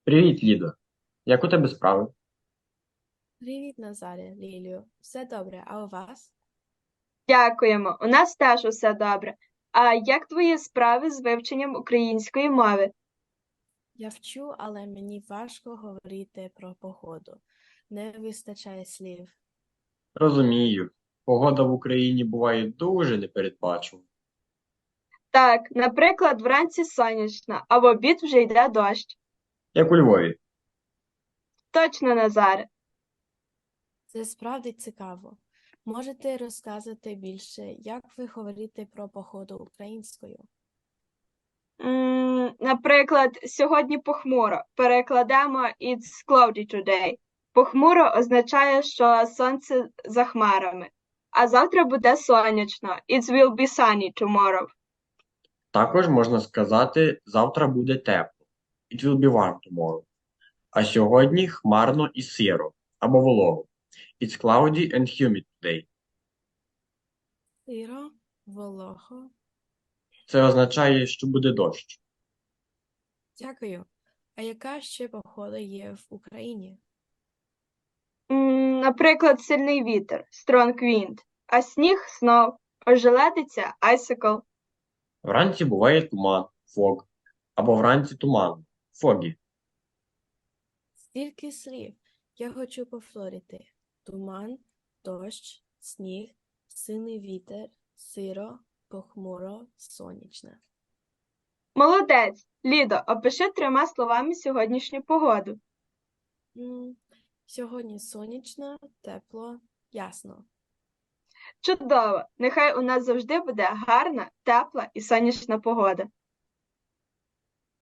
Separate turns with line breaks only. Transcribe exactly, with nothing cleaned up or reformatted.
Привіт, Лідо. Як у тебе справи?
Привіт, Назарі, Лілію. Все добре, а у вас?
Дякуємо. У нас теж усе добре. А як твої справи з вивченням української мови?
Я вчу, але мені важко говорити про погоду. Не вистачає слів.
Розумію. Погода в Україні буває дуже непередбачувана.
Так, наприклад, вранці сонячно, а в обід вже йде дощ.
Як у Львові.
Точно, Назаре.
Це справді цікаво. Можете розказати більше, як ви говорите про погоду українською?
М, наприклад, сьогодні похмуро. Перекладемо It's cloudy today. Похмуро означає, що сонце за хмарами. А завтра буде сонячно. It will be sunny tomorrow.
Також можна сказати, завтра буде тепло. It will be warm tomorrow. А сьогодні хмарно і сиро або волого. It's cloudy and humid today.
Сиро, волого.
Це означає, що буде дощ.
Дякую. А яка ще погода є в Україні?
М, Наприклад, сильний вітер, strong wind, а сніг snow, ожеледиця icicle.
Вранці буває туман, фог, або вранці туман, фогі.
Стільки слів. Я хочу повторити. Туман, дощ, сніг, сильний вітер, сиро, похмуро, сонячне.
Молодець! Лідо, опиши трьома словами сьогоднішню погоду.
М, Сьогодні сонячно, тепло, ясно.
Чудово! Нехай у нас завжди буде гарна, тепла і сонячна погода.